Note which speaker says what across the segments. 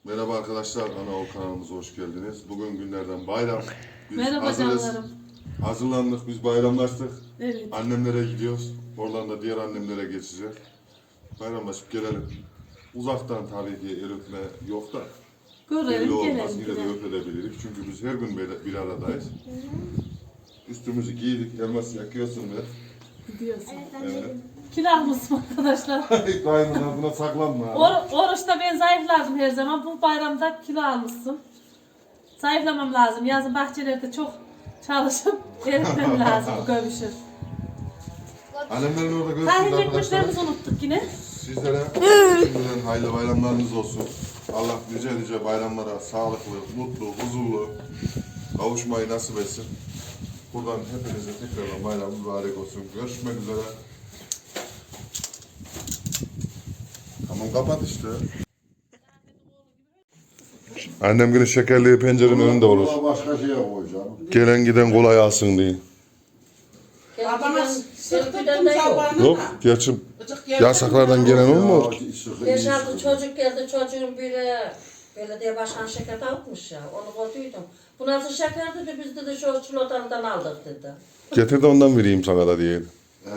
Speaker 1: Merhaba arkadaşlar, Anaol kanalımıza hoş geldiniz. Bugün günlerden bayram. Biz
Speaker 2: Merhaba
Speaker 1: hazırız.
Speaker 2: canlarım.
Speaker 1: Hazırlandık, biz bayramlaştık.
Speaker 2: Evet.
Speaker 1: Annemlere gidiyoruz. Oradan da diğer annemlere geçeceğiz. Bayramlaşıp gelelim. Uzaktan tabii ki el öpme yok da. Belli
Speaker 2: Görelim
Speaker 1: olmaz,
Speaker 2: gelelim.
Speaker 1: yine de öpebilirik. Çünkü biz her gün bir aradayız. Üstümüzü giydik, elmas yakıyorsun be.
Speaker 2: Gidiyorsun.
Speaker 1: Evet.
Speaker 2: Kilo almışsın arkadaşlar.
Speaker 1: Daimler buna saklanma.
Speaker 2: Oruçta ben zayıflardım her zaman. Bu bayramda kilo almışsın. Zayıflamam lazım. Yazın bahçelerde çok çalışıp eritmem lazım bu göbüşü.
Speaker 1: Annemlerin orada görüşürüz
Speaker 2: Tahin
Speaker 1: arkadaşlar.
Speaker 2: ekmeklerimizi unuttuk yine.
Speaker 1: Sizlere şimdiden hayırlı bayramlarınız olsun. Allah nice bayramlara sağlıklı, mutlu, huzurlu kavuşmayı nasip etsin. Buradan hepinize tekrardan bayram mübarek olsun. Görüşmek üzere. Tamam kapat işte. Annem günü şekerliği pencerenin önünde olur.
Speaker 3: Başka şeye koyacağım.
Speaker 1: Gelen giden kolay alsın diye.
Speaker 4: Babama sıktırdım sabahına.
Speaker 1: Yok, gerçi yasaklardan gelen olmuyor ki.
Speaker 4: 5-6 çocuk geldi, çocuğun biri belediye başkanı şeker dağıtmış ya, onu koyduydum. Bu nasıl şeker dedi, biz dedi şu çikolatalıdan aldık dedi.
Speaker 1: Getir de ondan vereyim sana da diye.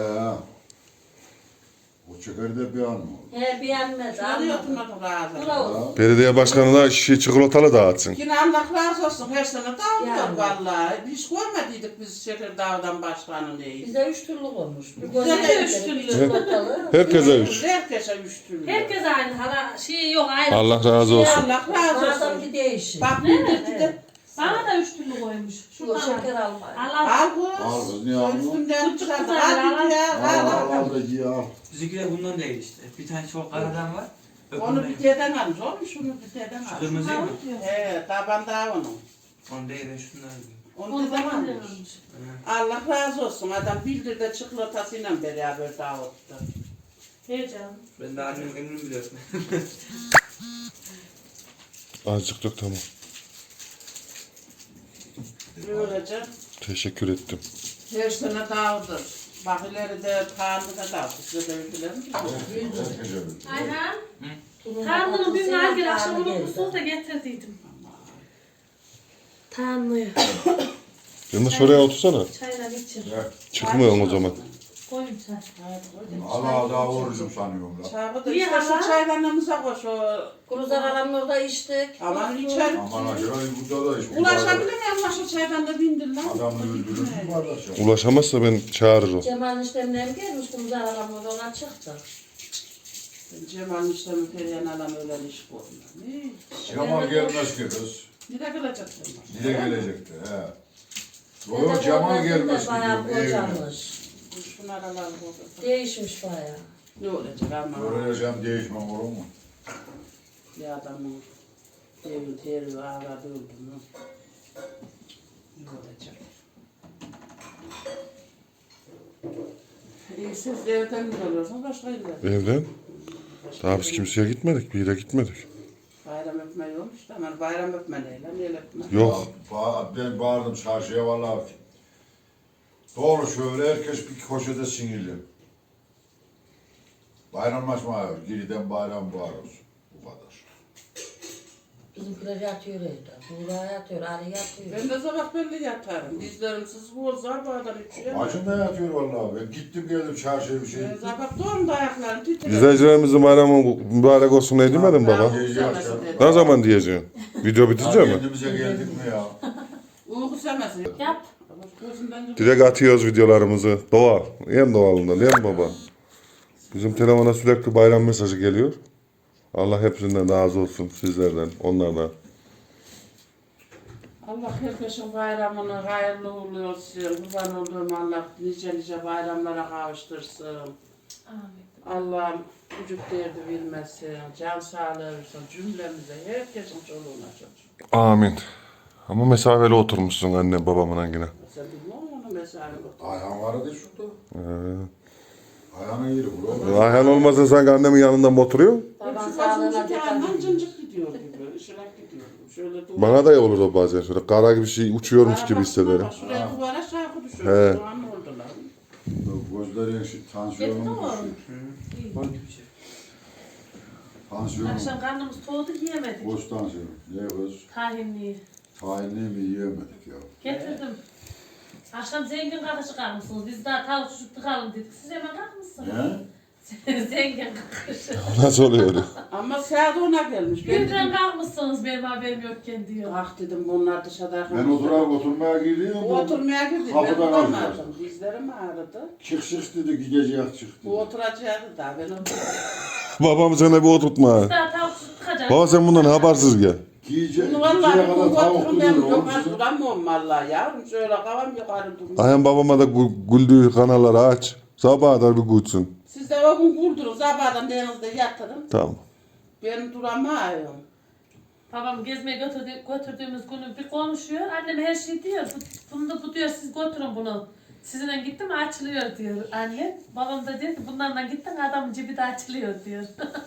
Speaker 3: O çekerde bir an mı?
Speaker 4: He beğenmedi.
Speaker 5: Alıyordun onu razı.
Speaker 4: Bravo.
Speaker 1: Belediye başkanı da şişe çikolatalı dağıtsın.
Speaker 5: Yine Allah razı olsun her sene dağılıyor
Speaker 4: Yani.
Speaker 5: vallahi. Hiç görmediydik biz Şeker Dağı'dan başkanı neyi.
Speaker 4: Bize 3 türlü olmuş.
Speaker 5: Bize de 3
Speaker 2: türlü.
Speaker 4: Çikolatalı.
Speaker 1: Herkese üç.
Speaker 5: Herkese 3 türlü.
Speaker 2: Herkes aynı. Hala şey yok ayrı.
Speaker 1: Allah razı olsun.
Speaker 5: Allah razı
Speaker 4: Bazen
Speaker 5: olsun.
Speaker 4: bir değişik.
Speaker 5: Bak bir de
Speaker 2: Bana da 3 türlü koymuş.
Speaker 4: Şu
Speaker 2: Şuradan
Speaker 4: şeker
Speaker 2: al.
Speaker 4: alma.
Speaker 2: Allah
Speaker 5: al bu.
Speaker 3: Al kız niye almıyor?
Speaker 5: Üstünden
Speaker 2: Küçük
Speaker 5: çıkardı.
Speaker 2: kızlar,
Speaker 5: Al bir ya.
Speaker 3: Al
Speaker 5: Al
Speaker 3: al da giy al.
Speaker 6: Bizimkiler bundan değil işte. Bir tane çok karadan var.
Speaker 5: Onu bir deden almış. Oğlum şunu bir deden
Speaker 6: Şu
Speaker 5: almış.
Speaker 6: kırmızı mı?
Speaker 5: He taban daha onun.
Speaker 6: Onu değil, ben şundan alayım.
Speaker 5: Onu
Speaker 2: Onu
Speaker 5: deden
Speaker 2: da
Speaker 5: almış. Allah razı olsun. Adam bildir de çikolatasıyla beraber dağıttı.
Speaker 2: Heyecan.
Speaker 6: Ben de annemin gününü biliyorum.
Speaker 1: Azıcık dök tamam.
Speaker 5: Böylece
Speaker 1: Teşekkür ettim.
Speaker 5: her sene dağıdır. Bak ileride Tanrı'da dağıtır. Size de öldüler mi?
Speaker 2: Ayhan. Tanrı'nın bir nargile akşam unutmuşsunuz da getirdiydim. Tanrı'yı.
Speaker 1: Yalnız şuraya otursana.
Speaker 2: Çaylar için.
Speaker 1: Çıkmıyorum o zaman.
Speaker 2: Koyun çay.
Speaker 3: Allah daha orucum sanıyorum la.
Speaker 5: Çabuk da
Speaker 2: Niye
Speaker 5: işte
Speaker 2: hala?
Speaker 5: şu çaylarımıza koş o.
Speaker 4: Kuruzlar alanın orada içtik.
Speaker 5: Aman içer.
Speaker 3: Aman acaba burada da iş.
Speaker 5: Ulaşabilir miyim lan şu çaydan da bindir lan.
Speaker 3: Adamı öldürür mü kardeş ya?
Speaker 1: Ulaşamazsa ben çağırırım.
Speaker 4: Cemal'in işlemleri gelmiş kuruzlar alanın orada ona çıktı.
Speaker 5: Cemal'in işlemi Perihan alan öyle iş koymuyor. Ne?
Speaker 3: Cemal gelmez ki kız.
Speaker 5: Nereye gelecek Cemal?
Speaker 3: Dile gelecekti he. Doğru Cemal gelmez ki
Speaker 4: Bayağı
Speaker 3: diyorum evine.
Speaker 4: kocamış.
Speaker 5: Şunlar alan burada.
Speaker 4: Değişmiş bayağı.
Speaker 5: Ne olacak ama?
Speaker 3: Öğreneceğim değişmem olur mu?
Speaker 5: Bir adamın evin teri ağladı öldü mü? Ne olacak? Siz evden mi oluyorsunuz başka yerden?
Speaker 1: Evden? Daha biz kimseye gitmedik, bir yere gitmedik.
Speaker 5: Bayram öpme yokmuş da ama bayram öpme neyle, neyle öpme?
Speaker 1: Yok.
Speaker 3: Ben bağırdım çarşıya vallahi. Doğru şöyle herkes bir koşede sinirli. Bayramlaşma yok. Giriden bayram bağırıyoruz. Bu kadar.
Speaker 4: Bizimkiler yatıyor evde. Buğra yatıyor, Ali yatıyor.
Speaker 5: Ben de sabah belli yatarım. Dizlerimsiz bozar bu adam içiyor.
Speaker 3: Bacım da yatıyor vallahi. Ben gittim geldim çarşıya bir şey.
Speaker 5: Ben sabah doğum da ayaklarım titriyor.
Speaker 1: İzleyicilerimizin bayramı mübarek olsun ne demedin baba?
Speaker 3: Diyeceğim
Speaker 1: Ne zaman diyeceksin? Video bitince mi?
Speaker 3: Kendimize geldik mi ya?
Speaker 5: Uyku semesin.
Speaker 2: Yap.
Speaker 5: Gözümden
Speaker 1: Direkt atıyoruz videolarımızı. Doğal. En doğalından değil mi baba? Bizim telefona sürekli bayram mesajı geliyor. Allah hepsinden razı olsun. Sizlerden, onlardan.
Speaker 5: Allah herkesin bayramını hayırlı uğurlu olsun. Kurban olduğum Allah nice bayramlara kavuştursun.
Speaker 2: Amin.
Speaker 5: Allah'ım vücut derdi bilmesin, can sağlığı versin cümlemize, herkesin çoluğuna çocuğuna.
Speaker 1: Amin. Ama mesafeli oturmuşsun anne babamın yine.
Speaker 5: Sen bilmiyor musun onu mesela?
Speaker 3: Ayhan vardı şurada. Ayhan'ın yeri bu.
Speaker 1: Ayhan olmasa sanki annemin yanında mı oturuyor?
Speaker 4: Baban
Speaker 5: Hepsi
Speaker 4: sağlığına
Speaker 5: başımızı
Speaker 4: dikkat
Speaker 5: yandan
Speaker 4: edin.
Speaker 5: cıncık gidiyor gibi, ışılak gidiyor gibi. Şöyle duvar.
Speaker 1: Bana da olur o bazen şöyle kara gibi şey uçuyormuş gibi hissederim.
Speaker 5: Bak şuraya duvara şarkı
Speaker 1: He.
Speaker 5: düşüyor. Şu an oldular.
Speaker 3: Gözlerin tansiyonu
Speaker 2: Yetti mi
Speaker 3: mu
Speaker 2: oğlum?
Speaker 3: düşüyor?
Speaker 6: Koy bir şey.
Speaker 3: Tansiyon.
Speaker 2: Akşam karnımız soğudu yiyemedik.
Speaker 3: Boş tansiyon. Ne kız?
Speaker 2: Tahinliği.
Speaker 3: Tahinli mi yiyemedik ya.
Speaker 2: Getirdim. Akşam zengin kakışı kalmışsınız. Biz daha tavuk çocuk tıkalım dedik. Siz hemen kalkmışsınız.
Speaker 3: Ne?
Speaker 2: Zengin kakışı.
Speaker 1: Nasıl oluyor?
Speaker 5: Ama saat ona gelmiş. Ben
Speaker 2: Birden
Speaker 5: dedim,
Speaker 2: kalkmışsınız benim haberim yokken diyor.
Speaker 5: ah dedim bunlar dışarıda.
Speaker 3: Ben oturmaya gidiyorum.
Speaker 5: Bu oturmaya girdi. Ben
Speaker 3: Kapıdan
Speaker 5: bulamadım.
Speaker 3: aldılar.
Speaker 5: Dizlerim ağrıdı.
Speaker 3: Çık dedi gidecek çıktı.
Speaker 5: Bu oturacaktı da ben oturdum.
Speaker 1: Babam sana bir oturtma.
Speaker 2: Biz daha tavuk çocuk tıkacak.
Speaker 1: Baba sen bundan habersiz gel.
Speaker 3: Gidecek
Speaker 5: Bunu vallahi
Speaker 3: kadar
Speaker 5: bu
Speaker 3: tavuk
Speaker 5: oturum ben
Speaker 3: duruyor.
Speaker 5: yukarı duramıyorum vallahi yavrum. Şöyle kavam yukarı durmuyor.
Speaker 1: Ayhan babama da güldüğü kanalları aç. Sabaha kadar bir gülsün.
Speaker 5: Siz de o gün kurdunuz. Sabahdan denizde yatırın.
Speaker 1: Tamam.
Speaker 5: Ben duramıyorum.
Speaker 2: Babam gezmeye götürdüğümüz günü bir konuşuyor. Annem her şey diyor. Bu diyor siz götürün bunu. Sizinle gittim açılıyor diyor anne. Babam da diyor ki bunlarla gittin adamın cebi de açılıyor diyor.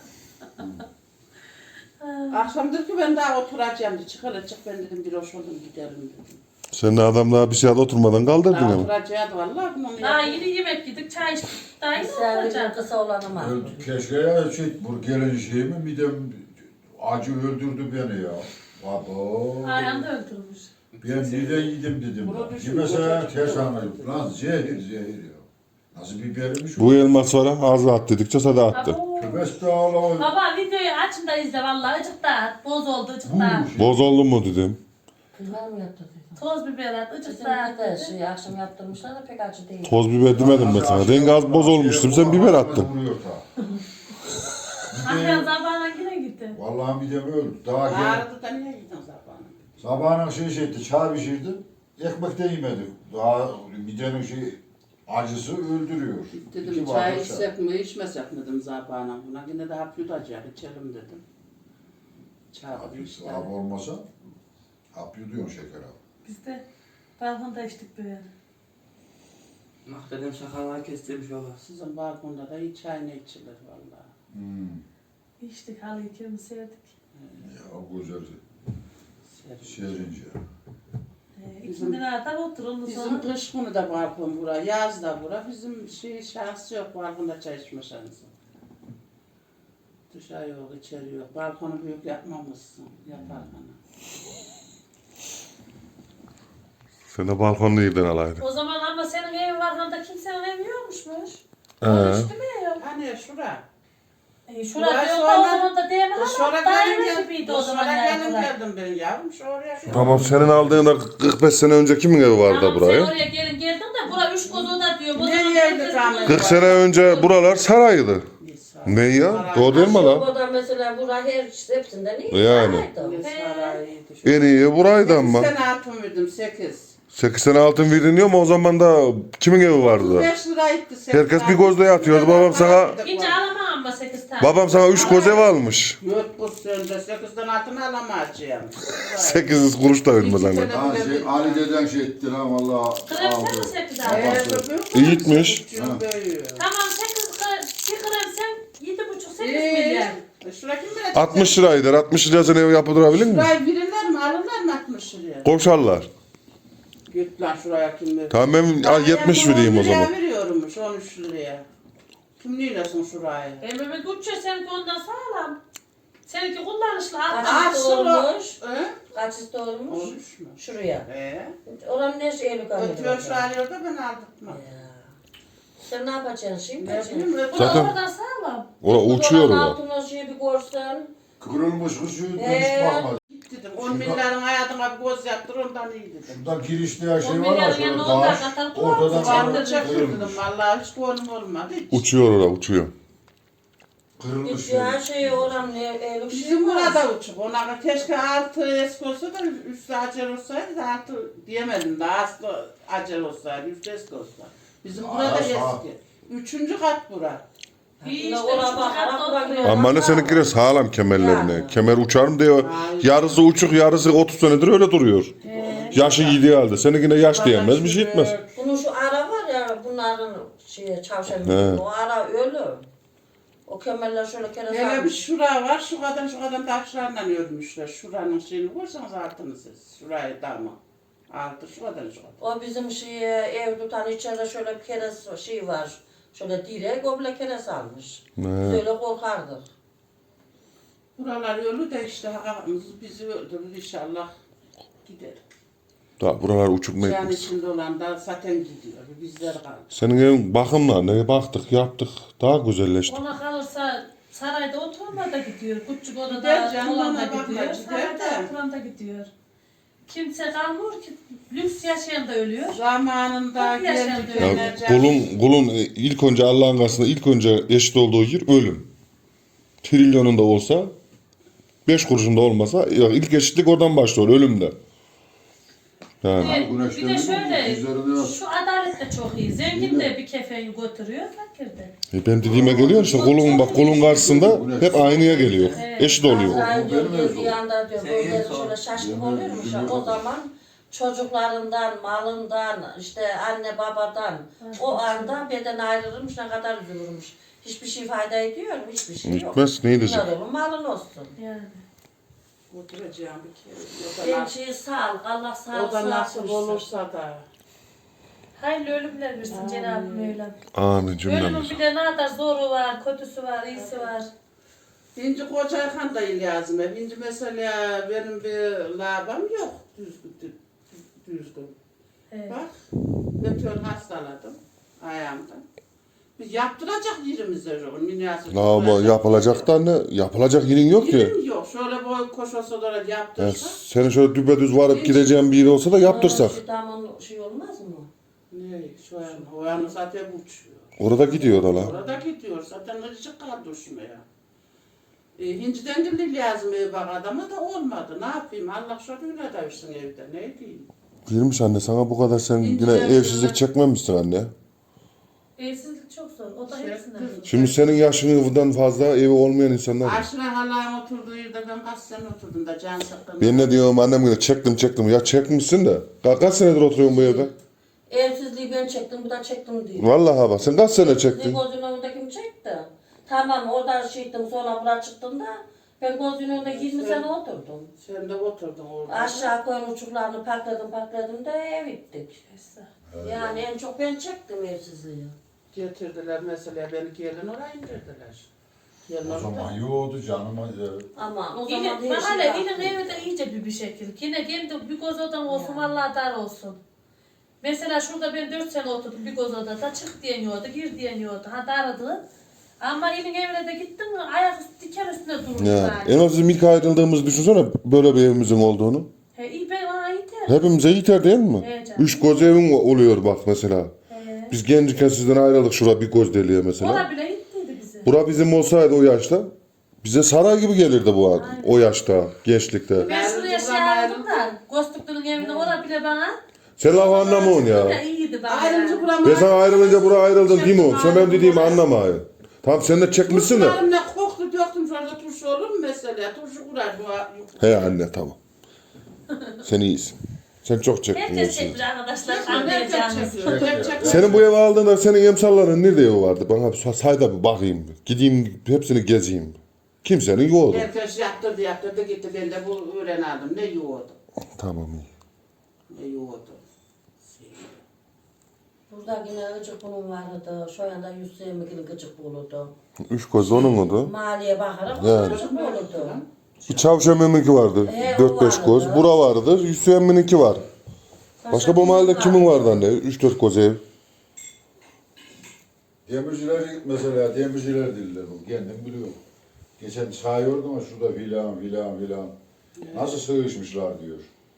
Speaker 5: Akşam dedi ki ben daha oturacağım dedi. Çık hele çık ben dedim bir hoş oldum gidelim dedim.
Speaker 1: Sen de adam daha bir saat oturmadan kaldırdın
Speaker 5: Daha
Speaker 1: ama.
Speaker 5: oturacaktı vallahi. Bunu
Speaker 2: Daha
Speaker 5: yaptım.
Speaker 2: yeni yemek yedik çay içtik. Daha yeni
Speaker 4: Servisler
Speaker 2: oturacağım.
Speaker 4: kısa olanı mı?
Speaker 3: Keşke ya bu gelen şey mi midem acı öldürdü beni ya. Baba.
Speaker 2: Ayhan da öldürmüş.
Speaker 3: Ben neden yedim dedim.
Speaker 5: Bunu düşün,
Speaker 3: Yemese
Speaker 5: koca
Speaker 3: ters
Speaker 5: çıkıyor.
Speaker 3: anlayıp. Lan zehir ya. Nasıl bibermiş
Speaker 1: Bu elmas sonra ağzı at dedikçe sada attı.
Speaker 2: Abo.
Speaker 3: Köpes de ağlama.
Speaker 2: Baba videoyu açın da izle vallahi ıcık da at. Boz oldu ıcık da at.
Speaker 1: Boz oldu mu dedim.
Speaker 4: Kızlar mı yaptı?
Speaker 2: Toz biber at ıcık
Speaker 4: Bizim
Speaker 2: da at
Speaker 4: de
Speaker 2: dedi.
Speaker 4: şey akşam yaptırmışlar da pek acı değil.
Speaker 1: Toz biber demedim ben sana. Rengi az boz olmuştu. Sen biber attın.
Speaker 3: Vuruyor ta.
Speaker 2: Ahyan zabağına yine gitti.
Speaker 3: Vallahi midem öldü. Daha gel.
Speaker 5: Ağrıdı da niye gittin sabahına?
Speaker 3: Sabahına şey etti, çay pişirdim. Ekmek de yemedik. Daha midenin acısı öldürüyor.
Speaker 5: Dedim
Speaker 3: İki
Speaker 5: çay
Speaker 3: bardak
Speaker 5: içsek mi içmesek mi dedim sabahına buna. Yine de hap yutacak içelim dedim. Çay
Speaker 3: Hap
Speaker 5: işte.
Speaker 3: hap olmasa hap yutuyorsun şeker abi.
Speaker 2: Biz de balkonda içtik böyle.
Speaker 6: Mahvedem sakallar kestirmiş baba.
Speaker 5: Sizin balkonda da hiç çay ne içilir vallahi.
Speaker 2: İçtik halıyı kirimi serdik.
Speaker 3: Ya o güzel
Speaker 5: Serin.
Speaker 3: serince.
Speaker 2: İkindi nerede otur ondan
Speaker 5: Bizim
Speaker 2: sonra.
Speaker 5: kış günü de balkon bura, yaz da bura. Bizim şansı yok balkonda çay içme şansı. Dışarı yok, içeri yok. Balkonu büyük yapmamışsın. Yapar bana.
Speaker 1: Sen de balkonda yedin alaydın.
Speaker 2: O zaman ama senin evin var da kimsenin evi yokmuşmuş.
Speaker 1: He.
Speaker 2: Konuştu mu ev?
Speaker 5: Hani şura.
Speaker 2: Şurada
Speaker 5: Burası
Speaker 2: yok da o
Speaker 5: ona-
Speaker 2: zaman da değil mi?
Speaker 5: Şura
Speaker 2: Ama daire
Speaker 5: gelin
Speaker 2: gibiydi o zaman.
Speaker 5: gelin
Speaker 2: yani.
Speaker 5: geldim ben yavrum. Şuraya.
Speaker 1: Tamam senin aldığında 45 sene önce kimin evi vardı
Speaker 2: Tamam sen
Speaker 1: buraya?
Speaker 2: oraya geldin de bura üç kozu da diyor. O
Speaker 5: Ne
Speaker 2: zaman
Speaker 5: yerde
Speaker 2: herkes
Speaker 5: tamam?
Speaker 2: bilir.
Speaker 1: 40 sene önce buralar saraydı. Ne ya? Doğru değil mi lan?
Speaker 4: Burada mesela bura her hepsinden iyi.
Speaker 1: Yani.
Speaker 4: Saraydı.
Speaker 1: En iyi buraydı ama.
Speaker 5: Sen altın verdim 8.
Speaker 1: 8 sene altın veriliyor mu o zaman da kimin evi vardı?
Speaker 5: 5 lira gitti.
Speaker 1: Herkes bir gözle yatıyordu, babam sana-
Speaker 2: Gece alamam ama 8 tane.
Speaker 1: Babam sana 3 koz ev almış.
Speaker 5: Yok bu sende 8'den altın alamayacağım.
Speaker 1: 800 kuruş da vermez anne.
Speaker 3: Ha, Ali deden şey etti lan valla.
Speaker 2: Krem sen mi 8 aldın?
Speaker 1: İyi gitmiş.
Speaker 2: Tamam 8 bir krem sen 7,5-8 milyar.
Speaker 5: Şuraya kim bilecek?
Speaker 1: 60 liraydır. 60 liraya sen ev yaptırabilir mi?
Speaker 5: Şurayı verirler mi? Alırlar mı 60 liraya?
Speaker 1: Koşarlar.
Speaker 5: Git lan şuraya kim verir?
Speaker 1: Tamam ben al 70 vereyim o zaman.
Speaker 5: Veriyormuş 13 liraya. Kim neylesin şurayı?
Speaker 2: Emre Gülçe seninki ondan sağlam. Seninki kullanışlı.
Speaker 4: Kaç olmuş?
Speaker 5: He?
Speaker 4: Kaç olmuş?
Speaker 5: 13 mü?
Speaker 4: Şuraya. Oranın ne şey eylül
Speaker 5: Ötüyor şu alıyor da ben aldırtmam.
Speaker 4: Sen ne yapacaksın şimdi?
Speaker 5: Ne bileyim
Speaker 2: Bu
Speaker 5: ötüyor.
Speaker 2: da
Speaker 1: Zaten-
Speaker 2: oradan sağlam.
Speaker 1: Ora uçuyor
Speaker 4: Oranın
Speaker 1: o.
Speaker 4: altına şey bir görsen.
Speaker 3: Kırılmış kız şu dönüş bakmadı.
Speaker 5: Dedim 10 milyarın hayatına bir göz yaptır ondan iyi dedim.
Speaker 3: Şuradan girişte ya şey
Speaker 2: 10
Speaker 3: var ya
Speaker 2: milyarın
Speaker 3: şöyle
Speaker 2: yanına
Speaker 3: taş.
Speaker 2: ondan katar kulağımızı
Speaker 3: Ortadan
Speaker 2: çarptı.
Speaker 5: Vardı çektim
Speaker 3: kırılmış.
Speaker 5: dedim vallahi hiç konum olmadı hiç.
Speaker 1: Uçuyor ora uçuyor.
Speaker 3: Kırılmış.
Speaker 4: Hiç ya şey oranın eylül şey
Speaker 5: Bizim
Speaker 4: var.
Speaker 5: burada uçuk. Ona keşke altı eski olsa da üstü acel olsaydı da altı diyemedim de aslı acel olsaydı üstü eski olsa. Bizim burada
Speaker 3: Aa,
Speaker 5: eski. 3. kat bura.
Speaker 2: İyi
Speaker 4: Yine
Speaker 2: işte
Speaker 4: oraya
Speaker 2: üçüncü
Speaker 4: bakarak
Speaker 2: katta
Speaker 4: bırakıyor.
Speaker 2: oturuyor.
Speaker 1: Ama ne seninkiler sağlam kemerlerine.
Speaker 4: Yani.
Speaker 1: Kemer uçar mı diyor.
Speaker 5: Hayır.
Speaker 1: Yarısı uçuk yarısı 30 senedir öyle duruyor. Yaşı gidiği halde. Seninkine yaş diyemez bir şey etmez.
Speaker 4: Bunun şu ara var ya bunların şey çavşan
Speaker 1: He.
Speaker 4: o ara ölü. O kemerler şöyle kere
Speaker 5: Hele bir
Speaker 4: sarmış.
Speaker 5: şura var, şu kadar taşlarla örmüşler. Şuranın şeyini koysanız altını siz. Şurayı damı. Altı şu kadar.
Speaker 4: O bizim şey ev tutan içeride şöyle bir kere şey var. Şöyle direk o bile kere salmış. Biz öyle korkardık.
Speaker 5: Buralar yolu da işte hakkımız bizi öldürür inşallah gider.
Speaker 1: Da buralar uçup mu
Speaker 5: Can
Speaker 1: etmez.
Speaker 5: içinde olan da zaten gidiyor. Bizler kaldı.
Speaker 1: Senin evin bakımla ne baktık yaptık daha güzelleşti.
Speaker 2: Ona kalırsa sarayda oturma da gidiyor. Küçük odada
Speaker 5: Gider canım,
Speaker 2: olan da
Speaker 5: ona bakma,
Speaker 2: gidiyor.
Speaker 5: gider
Speaker 2: Sarayda
Speaker 5: de.
Speaker 2: oturan da gidiyor. Kimse kalmıyor ki. Lüks yaşayan da ölüyor.
Speaker 5: Zamanında
Speaker 2: Çok yaşandı
Speaker 5: geldi
Speaker 2: öyle.
Speaker 1: Ya
Speaker 5: döneceğim.
Speaker 1: kulun ilk önce Allah'ın karşısında ilk önce eşit olduğu yer ölüm. Trilyonunda olsa 5 kuruşunda olmasa ya ilk eşitlik oradan başlıyor ölümde. Yani.
Speaker 3: Güneş
Speaker 2: Bir de
Speaker 3: döndü mü?
Speaker 2: şöyle,
Speaker 3: Yüzlerinde yok.
Speaker 2: şu adalet de çok iyi. Zengin de bir kefeyi götürüyor, fakir de.
Speaker 1: Ben dediğime geliyor işte kulun karşısında hep aynıya geliyor.
Speaker 2: Evet.
Speaker 1: Eşit oluyor.
Speaker 4: Azrail diyor
Speaker 3: Benim
Speaker 4: geldiği
Speaker 3: evim.
Speaker 4: anda diyor
Speaker 6: Sen
Speaker 4: böyle
Speaker 6: en son-
Speaker 4: şöyle şaşkın
Speaker 3: Benim
Speaker 4: oluyormuş.
Speaker 3: evim.
Speaker 4: O zaman çocuklarından, malından, işte anne babadan o anda beden ayrılırmış, ne kadar üzülürmüş. Hiçbir şey fayda ediyor mu? Hiçbir şey yok.
Speaker 1: Gitmez, ne edecek?
Speaker 4: Bunlar olur, malın olsun.
Speaker 2: Yani.
Speaker 5: Oturacağım bir kere. O da nasip-
Speaker 4: Gençliği sağlık, Allah sağlık
Speaker 5: O da nasip
Speaker 4: versin.
Speaker 5: olursa da.
Speaker 2: Hayırlı ölümler versin Cenab-ı Mevlam.
Speaker 1: Amin
Speaker 2: Ölümün
Speaker 1: cümlemiz.
Speaker 2: bir de ne kadar zoru var, kötüsü var, iyisi var.
Speaker 5: Şimdi Kocayhan da lazım. Şimdi mesela benim bir labam yok düzgün.
Speaker 2: Evet.
Speaker 5: Bak, meteor hastaladım ayağımdan. Biz yaptıracak yerimiz de yok. Münasip.
Speaker 1: Ama yapılacak da ne? Yapılacak yerin yok ki.
Speaker 5: Yerim yok. Şöyle boy koşması olarak
Speaker 1: Ya
Speaker 5: yaptırsak.
Speaker 1: senin şöyle düpedüz varıp gideceğin bir yer olsa da yaptırsak.
Speaker 4: Şu damın şey olmaz mı?
Speaker 5: Ne şu an? O an zaten uçuyor.
Speaker 1: Orada gidiyor da la.
Speaker 5: Orada gidiyor. Zaten ıcık kaldı uçmaya. Hinciden geldi lazım ev bak adama da olmadı. Ne yapayım? Allah şöyle versin evde. Ne diyeyim?
Speaker 1: Girmiş anne sana bu kadar sen yine evsizlik çekmemişsin anne.
Speaker 2: Evsizlik çok zor, o da hepsinden zor.
Speaker 1: Şimdi senin yaşından fazla evi olmayan insanlar var.
Speaker 5: Aşra halam oturduğu yerde ben kaç sene oturdum da can sıkkın.
Speaker 1: Ben ne diyorum annem yine çektim. Ya çekmişsin de. Kaç senedir oturuyorsun bu evde?
Speaker 4: Evsizliği ben çektim, bu da çektim diyor.
Speaker 1: Vallahi bak sen kaç sene çektin?
Speaker 4: Gözünün önünde kim çekti? Tamam orada şeydim sonra buraya çıktım da ben gözünün önünde 20 sene oturdum.
Speaker 5: Sen de oturdun orada.
Speaker 4: Aşağı koyun uçuklarını pakladım da ev gittik. Yani en çok ben çektim evsizliği.
Speaker 5: Getirdiler mesela beni gelin oraya indirdiler. Gelin
Speaker 3: O
Speaker 5: orada.
Speaker 3: zaman yoğdu canım.
Speaker 4: Ama o zaman
Speaker 2: Yine,
Speaker 4: her
Speaker 2: bak
Speaker 4: şey
Speaker 2: hele yine
Speaker 4: yaptım.
Speaker 2: evi de iyice bir şekil. Yine kendi bir göz odam olsun, vallahi dar olsun. Mesela şurada ben 4 sene oturdum bir göz odada, çık diyen yoktu, gir diyen yoktu. Ha dardı. Ama yine evine de gittim mi ayak üstü diken üstüne durmuş
Speaker 1: Ya,
Speaker 2: yani.
Speaker 1: en az ilk ayrıldığımızı düşünsene böyle bir evimizin olduğunu.
Speaker 2: He, iyi ben bana yeter.
Speaker 1: Hepimize yeter değil mi?
Speaker 2: Evet canım.
Speaker 1: 3 göz evim oluyor bak mesela.
Speaker 2: He.
Speaker 1: Biz gençken sizden ayrıldık şura bir göz deliğe mesela.
Speaker 2: Ona bile yettiydi bize.
Speaker 1: Bura bizim olsaydı o yaşta bize saray gibi gelirdi bu adam. O yaşta, gençlikte.
Speaker 2: Ben şuraya şey aldım da, Gözlüklü'nün evine orada bile bana.
Speaker 1: Sen lafı anlamıyorsun
Speaker 2: Ya
Speaker 1: ya.
Speaker 2: iyiydi bana.
Speaker 5: Ayrıca
Speaker 2: Yani.
Speaker 5: buram
Speaker 1: Ben sana ayrılınca buraya ayrıldın değil mi? Sen benim dediğimi anlamayın. Tamam sen de çekmişsin de.
Speaker 5: Turşularım ne koktu döktüm şurada turşu olur mu mesela? Turşu kurar bu.
Speaker 1: He anne tamam. Sen iyisin. Sen çok çektin.
Speaker 2: Herkes
Speaker 1: hepsini.
Speaker 2: çekmiş arkadaşlar.
Speaker 5: Herkes
Speaker 2: Anlayacağınız.
Speaker 5: çekiyor. Hep çekiyor.
Speaker 1: Senin bu evi aldığında senin emsalların nerede evi vardı? Bana bir say da bir bakayım. Gideyim hepsini gezeyim. Kimsenin yoktu.
Speaker 5: Herkes yaptırdı gitti. Ben de bu öğren aldım. Ne yoğurdu?
Speaker 1: Tamam iyi.
Speaker 5: Ne yoğurdu?
Speaker 4: Burada yine gıcık bunun vardı. Şu anda 120 kilo gıcık bulurdu.
Speaker 1: 3 göz onun oldu.
Speaker 4: Maliye bakarak
Speaker 1: Yani.
Speaker 4: gıcık bulurdu.
Speaker 1: Bir Çavşemim'inki vardı.
Speaker 4: He, o
Speaker 1: 4-5
Speaker 4: vardı.
Speaker 1: göz. Bura vardı. Hüseyin'inki var. Başka bu mahallede kimin vardı anne? 3-4 göz ev.
Speaker 3: Demirciler mesela demirciler diller bu. Kendim biliyorum. Geçen çağırıyordum ama şurada filan. Nasıl sığışmışlar diyor.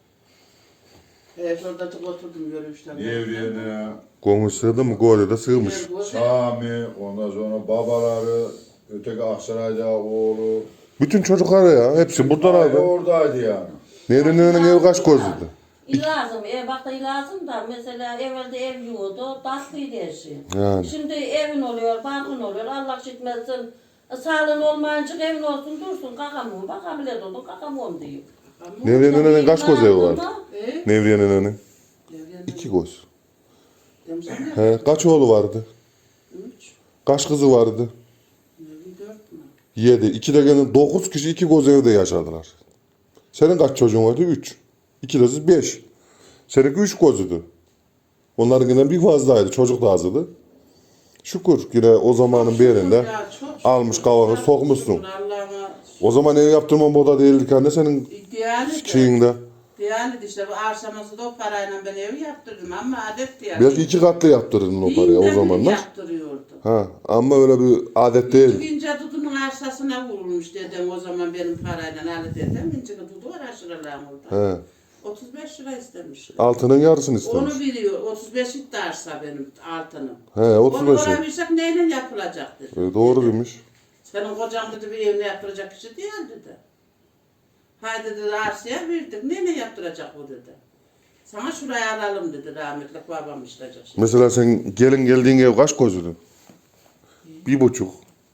Speaker 5: Şurada oturdum görmüşler.
Speaker 3: Devriyene,
Speaker 1: Gönül sığdı mı? Gönül de sığmış.
Speaker 3: Sami, ondan sonra babaları, öteki Aksaray'da oğlu.
Speaker 1: Bütün çocuklar ya. Hepsi buradalardı.
Speaker 3: Oradaydı yani.
Speaker 1: Nevri'nin evi kaç gözlüydü?
Speaker 4: İlazım, bak da ilazım da mesela evvelde ev yoğurdu, tatlıydı her şey.
Speaker 1: Yani.
Speaker 4: Şimdi evin oluyor, bankın oluyor, Allah şitmesin. Sağlığın olmayınca evin olsun dursun, kakamon, bak ameliyat oldun, kakamon diyor.
Speaker 1: Nevri'nin kaç göz evi vardı?
Speaker 5: He?
Speaker 1: Nevri'nin 2 göz.
Speaker 5: Demişler
Speaker 1: He, kaç oğlu vardı?
Speaker 5: 3,
Speaker 1: Kaç kızı vardı?
Speaker 5: 4 mü?
Speaker 1: 7. 2 de gene 9 kişi 2 göz evde yaşadılar. Senin kaç çocuğun vardı? 3. 2 de siz 5. Seninki 3 gözüydü. Onlarınkinden bir fazlaydı. Çocuk da azdı. Şükür yine o zamanın bir yerinde
Speaker 5: Ya, çok şükür.
Speaker 1: almış kavanoz
Speaker 5: Çok
Speaker 1: sokmuşsun.
Speaker 5: şükür, Allah'ıma
Speaker 1: O zaman ev yaptırma moda değildik anne senin şeyinde.
Speaker 5: Diyanet işte bu arsamızı da o parayla ben evi yaptırdım ama adet diye.
Speaker 1: Belki 2 katlı yaptırırdın o parayı o zamanlar.
Speaker 5: Yaptırıyordu.
Speaker 1: Ha, ama öyle bir adet değil.
Speaker 5: İkinci Dudu'nun arsasına vurulmuş dedem o zaman benim parayla Ali dedem. İkinci Dudu var aşırılar orada.
Speaker 1: He.
Speaker 5: 35 lira istemişler.
Speaker 1: Altının yarısını istemiş.
Speaker 5: Onu veriyor. 35 itti arsa benim altınım.
Speaker 1: He,
Speaker 5: Onu
Speaker 1: 35.
Speaker 5: oraya versek neyle yapılacak dedi.
Speaker 1: Doğru demiş.
Speaker 5: Senin kocan dedi bir evine yaptıracak kişi değil dedi. Haydi dedi arsaya verdik. Neyle yaptıracak bu dedi. Sana şurayı alalım dedi rahmetli babam işleyecek. Şimdi.
Speaker 1: Mesela sen gelin geldiğin ev kaç gözüydü? 1,5.
Speaker 3: 1,5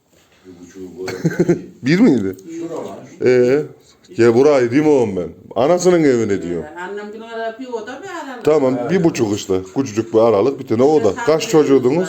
Speaker 3: böyle.
Speaker 1: 1 miydi?
Speaker 3: Şuralar.
Speaker 1: Ya burayı değil mi oğlum ben? Anasının evine diyor.
Speaker 5: Annem bir ara bir oda bir aralık.
Speaker 1: Tamam 1,5 işte. Küçücük bir aralık bir tane oda. Kaç çocuğudunuz?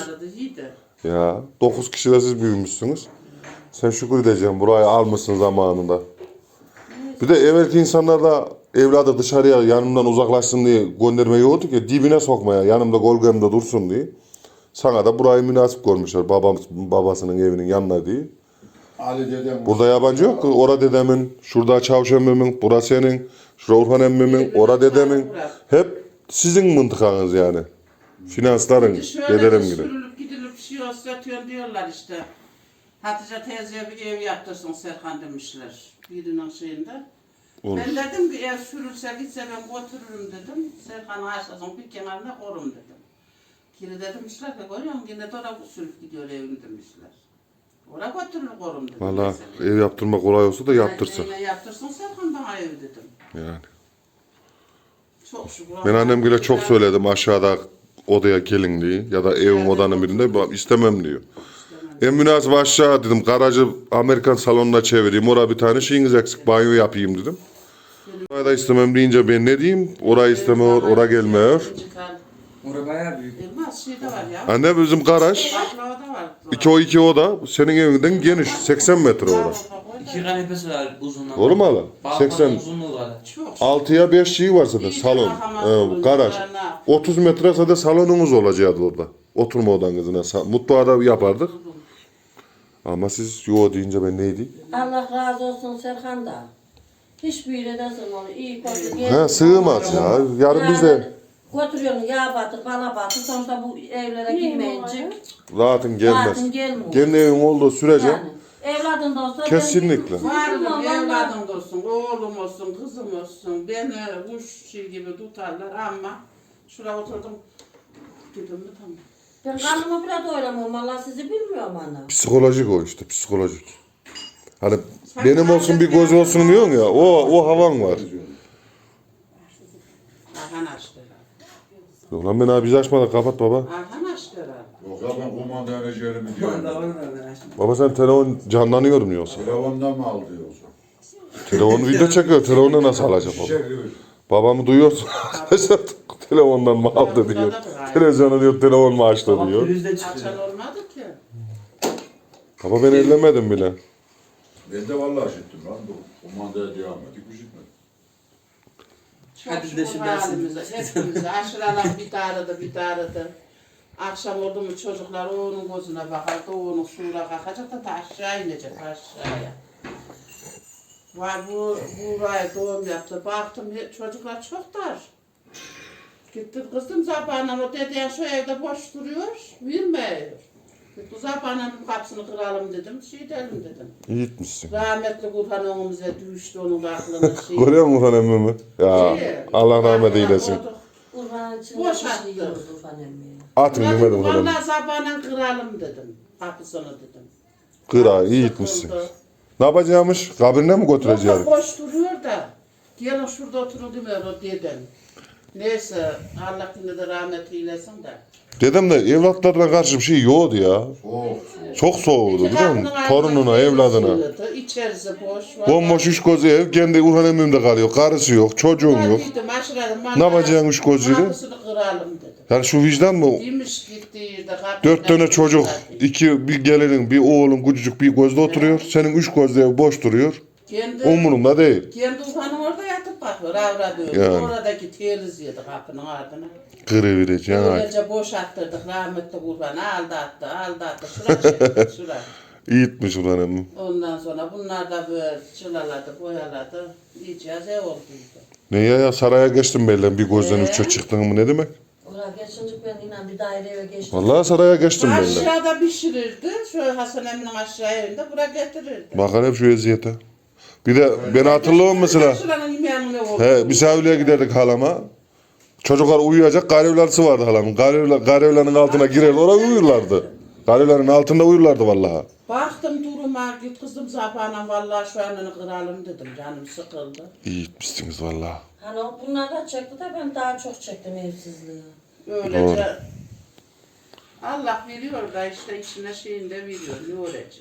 Speaker 1: Ya 9 kişi de siz büyümüşsünüz. Sen şükür edeceğim burayı almışsın zamanında. Bir de evvelki insanlar da evladı dışarıya yanımdan uzaklaşsın diye göndermeyi yoktu ki dibine sokmaya yanımda gölgemde dursun diye. Sana da burayı münasip görmüşler babasının evinin yanına diye.
Speaker 3: Ali dedem
Speaker 1: Burada yabancı yok ki. Ora dedemin, şurada Çavuş emmimin, burası senin, şurada Urhan emmimin, ora dedemin. Hep sizin mıntıkanız yani. Finansların, dedelerim gibi.
Speaker 5: Sürülüp gidilip bir şey olsa atıyor diyorlar işte. Hatice teyzeye bir ev yaptırsın Serkan demişler. Birinin şeyinde.
Speaker 1: Olur.
Speaker 5: Ben dedim bir ev sürülse gitse ben götürürüm dedim. Serkan'ın aşağısının bir kenarına korum dedim. Kiri demişler ki görüyor musun yine de oraya sürüp gidiyor evini demişler. Oraya götürür korum dedim.
Speaker 1: Valla
Speaker 5: mesela.
Speaker 1: ev yaptırma kolay olsa da yaptırsa.
Speaker 5: Neyle yaptırsın Serkan bana ev dedim.
Speaker 1: Yani.
Speaker 5: Çok şükür.
Speaker 1: Ben annemgile çok söyledim aşağıda odaya gelin diye ya da evin odanın birinde "Ben istemem diyor. En münasip aşağı dedim garajı Amerikan salonuna çevireyim oraya bir tane şeyiniz eksik banyo yapayım dedim. Orayı da istemem deyince ben ne diyeyim orayı istemiyor oraya gelmiyor.
Speaker 6: Orası bayağı büyük.
Speaker 5: Elmas şey de var ya.
Speaker 1: Anne bizim garaj
Speaker 5: Baklava da var.
Speaker 1: 2 oda senin evinden geniş 80 metre orası.
Speaker 6: 2 kanepesi var uzunluğu.
Speaker 1: Doğru mu hala?
Speaker 5: Çok.
Speaker 1: 80. 6'ya 5 şey var zaten
Speaker 5: İyi
Speaker 1: salon,
Speaker 5: bakamazsın,
Speaker 1: garaj.
Speaker 5: çocuklarına.
Speaker 1: 30 metre zaten salonumuz olacaktı orada. Oturma odanızına. Mutfağı da yapardık. Ama siz yo deyince ben neydi?
Speaker 4: Allah razı olsun Serkan da. Hiçbir yere de sığmadı. İyi kötü.
Speaker 1: Ha sığmaz ya. Yarın biz de
Speaker 4: Götürüyorsun yağ batır, bana batır. Sonuçta bu evlere girmeyince
Speaker 1: rahatın gelmez.
Speaker 4: rahatın gelmiyor.
Speaker 1: Kendi evin olduğu sürece
Speaker 4: Yani evladın da olsa
Speaker 1: kesinlikle.
Speaker 5: Varım
Speaker 4: Vallahi-
Speaker 5: evladım olsun, oğlum olsun, kızım olsun. Beni kuş şey gibi tutarlar ama şuraya oturdum. Dedim mi tamam.
Speaker 4: Ben karnımı bile doyuramam. Valla sizi bilmiyorum ana.
Speaker 1: Psikolojik o işte psikolojik. Hani benim olsun bir göz olsun diyorsun ya o havan var.
Speaker 5: Arhan açtı herhalde.
Speaker 1: Ulan ben abi biz açmadan kapat baba.
Speaker 5: Arhan açtı herhalde.
Speaker 3: Yok ya ben kumanda enerjilerimi
Speaker 6: Orada
Speaker 3: diyorum.
Speaker 6: orada.
Speaker 1: Baba sen telefon canlanıyor mu yoksa?
Speaker 3: Telefondan mı aldı yoksa?
Speaker 1: Telefonu video çekiyor. Telefonu nasıl alacak baba?
Speaker 3: Şişe gibi.
Speaker 1: Babamı duyuyorsun arkadaşlar. Telefondan mı aldı diyor. Televizyonu diyor telefon mu açtı
Speaker 6: Ama
Speaker 1: diyor.
Speaker 6: pürüzde çıkıyor.
Speaker 5: Açan olmadı ki.
Speaker 1: Baba ben ellemedim bile.
Speaker 3: Ben de vallahi işittim lan bu. Kumandaya devam ettik işitmedim.
Speaker 5: Çok
Speaker 6: Hadi de
Speaker 5: şükür
Speaker 6: şu
Speaker 5: halimize,
Speaker 6: dersin.
Speaker 5: hepimize. Aşıralar bir tarıdı. Akşam oldu mu çocuklar o onun gözüne bakardı, o onun suyuna kalkacak da aşağı inecek aşağıya. Var buraya doğum yaptı. Baktım çocuklar çok dar. Gittim kızım Zaba'nın o dedeyen şu evde boş duruyor, vermiyor. Bu Zaba'nın kapısını kıralım dedim, şey edelim dedim.
Speaker 1: İyi gitmişsin.
Speaker 5: Rahmetli Kur'an önümüze düştü onun aklına şey.
Speaker 1: Görüyor musun Urhan emmimi? Ya Allah rahmet eylesin.
Speaker 4: Urfan'ın içinde
Speaker 5: Boş
Speaker 4: bir şey
Speaker 5: attı.
Speaker 4: yiyoruz Urfan emmiye.
Speaker 1: Atın demedim falan.
Speaker 5: Vallahi Zaba'nın kıralım dedim. Kapısını dedim.
Speaker 1: Kıra iyi gitmişsin.
Speaker 5: Sıkıldı.
Speaker 1: Ne yapacağımış? Kabrine mi götüreceğiz?
Speaker 5: Yok, boş duruyor da. Gelin şurada oturun demiyor o dedem. Neyse Allah yine de rahmet eylesin de.
Speaker 1: Dedem de evlatlarına karşı bir şey yoktu ya. Çok soğuğdu biliyor musun? Torununa, evladına.
Speaker 5: İçerisi boş.
Speaker 1: Bomboş üç göz ev. Kendi Urhan emmimde kalıyor. Karısı yok, çocuğun yok. Ne yapacaksın üç gözüyle?
Speaker 5: Kapısını kıralım dedim.
Speaker 1: Yani şu vicdan mı?
Speaker 5: Demiş gitti de
Speaker 1: 4 tane çocuk, bir gelinin, bir oğlun, küçücük bir gözde oturuyor. Senin 3 gözde ev boş duruyor.
Speaker 5: Kendi,
Speaker 1: Umurumda değil.
Speaker 5: kendi ufanım orada yatıp bakıyor. Avra diyor.
Speaker 1: Yani.
Speaker 5: Oradaki teliz yedi kapının ardına.
Speaker 1: Kırıvereceksin. ha.
Speaker 5: Öylece boş attırdık rahmetli kurbanı aldattı. Şura çekti şura.
Speaker 1: İyi etmiş ulan.
Speaker 5: Ondan sonra bunlar da böyle çılaladı, boyaladı. İyice ev olduydu.
Speaker 1: Ne ya saraya geçtim belli bir gözden üçe çıktın mı ne demek?
Speaker 4: Oraya geçince ben yine bir daire eve geçtim.
Speaker 1: Vallahi saraya geçtim belli.
Speaker 5: Aşağıda pişirirdi. Şöyle Hasan Emin'in aşağı evinde buraya getirirdi.
Speaker 1: Bakın hep şu eziyete. Bir de ben hatırlıyorum mesela.
Speaker 5: Şuranın yemeğinin ne oldu?
Speaker 1: He, misafirliğe giderdik halama. Çocuklar uyuyacak, garevlerisi vardı halamın. Garevlerin altına girer, oraya uyurlardı. Garevlerin altında uyurlardı vallahi.
Speaker 5: Baktım duruma, git kızım sapağına vallahi şu anını kıralım dedim. Canım sıkıldı.
Speaker 1: İyi etmişsiniz vallahi.
Speaker 4: Hani bunlar da çekti de ben daha çok çektim evsizliği.
Speaker 5: Öylece Allah veriyor da işte içine şeyinde veriyor. Ne olacak?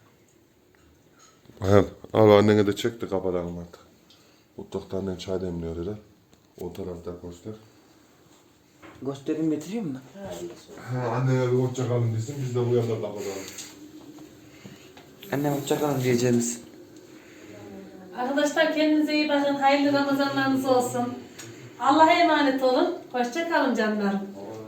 Speaker 1: He, al annene de çekti kapatalım artık. Mutfakta annen çay demliyor öyle. O tarafta göster.
Speaker 6: Göstereyim getireyim mi?
Speaker 1: He, annene bir hoşça kalın desin, biz de bu yanda kapatalım.
Speaker 6: Annem hoşçakalın diyeceğiniz.
Speaker 2: Arkadaşlar kendinize iyi bakın. Hayırlı Ramazanlarınız olsun. Allah'a emanet olun. Hoşça kalın canlarım.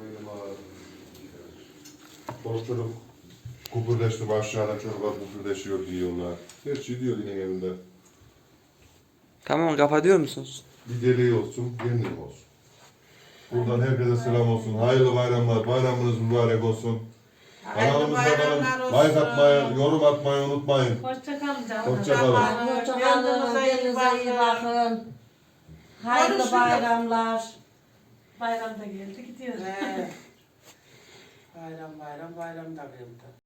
Speaker 1: Çocuk kupurleştim aşağıda çocuklar kupurleşiyor diyorlar. Her şey diyor yine evinde.
Speaker 6: Tamam kapatıyor musunuz?
Speaker 1: Bir deliği olsun, kendin olsun. Buradan herkese selam olsun. Hayırlı bayramlar, bayramınız mübarek olsun. Kanalımıza kalın, like atmayı, yorum atmayı unutmayın.
Speaker 2: Hoşça kalın canlarım.
Speaker 1: Hoşça kalın.
Speaker 4: Hoşçakalın, kendinize iyi bakın. Hayırlı
Speaker 5: Görüşürüz.
Speaker 4: bayramlar.
Speaker 2: Bayram da geldi gidiyor.
Speaker 5: Bayram da geldi.